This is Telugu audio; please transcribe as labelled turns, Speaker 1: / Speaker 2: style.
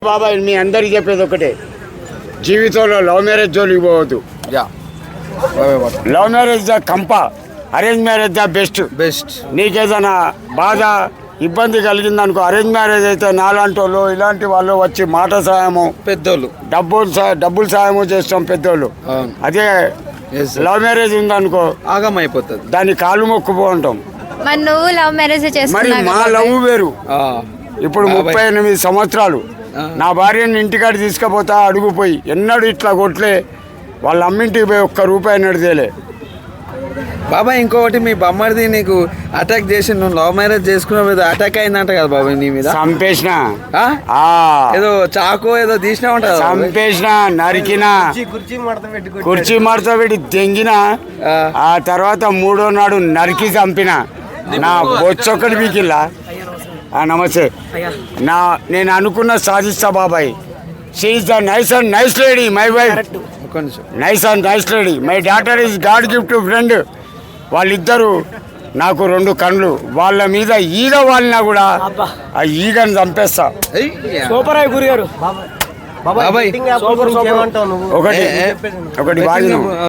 Speaker 1: బాబాయ్ మీ అందరికి చెప్పేది ఒకటే, జీవితంలో లవ్ మ్యారేజ్ జోలికి పోవద్దు. లవ్ మ్యారేజ్ ద కంప, అరేంజ్ మ్యారేజ్ ద బెస్ట్. నీకేదైనా బాధ ఇబ్బంది కలిగిందనుకో, అరేంజ్ మ్యారేజ్ అయితే నాలాంటి వాళ్ళు ఇలాంటి వాళ్ళు వచ్చి మాట సాయము,
Speaker 2: పెద్దోళ్ళు
Speaker 1: డబ్బులు సాయము చేస్తాం పెద్దోళ్ళు. అదే లవ్ మ్యారేజ్ ఉందనుకో
Speaker 2: ఆగం అయిపోతుంది,
Speaker 1: దాన్ని కాలు మొక్కుపో ఉంటాం.
Speaker 3: మరి నువ్వు లవ్ మ్యారేజ్
Speaker 1: మరి మా లవ్ వేరు. ఇప్పుడు 38 సంవత్సరాలు నా భార్యని ఇంటికాడ తీసుకుపోతా అడుగుపోయి ఎన్నడు ఇట్లా కొట్లే, వాళ్ళ అమ్మింటికి పోయి ఒక్క రూపాయి నడిదేలే.
Speaker 2: బాబాయ్ ఇంకొకటి, మీ బొమ్మడిది నీకు అటాక్ చేసి నువ్వు లవ్ మ్యారేజ్ చేసుకున్న అటాక్ అయిందంట కదా బాబాయ్ నీ మీద?
Speaker 1: చంపేసిన,
Speaker 2: ఏదో చాకో ఏదో తీసినా ఉంటా,
Speaker 1: చంపేసిన, నరికిన, కుర్చీ మడత పెట్టి తెంగిన. ఆ తర్వాత 3వ నాడు నరికి చంపిన. నా బొచ్చొక్కటి పీకిల్లా. నమస్తే. నేను అనుకున్న సాధిస్తా బాబాయ్. She is the nice lady, my wife. Nice lady. My daughter is god gift friend. వాళ్ళిద్దరూ నాకు 2 కళ్ళు. వాళ్ళ మీద ఈగ వాలినా కూడా ఆ ఈగను చంపేస్తా.
Speaker 2: బాబాయ్
Speaker 1: ఒకటి బాగా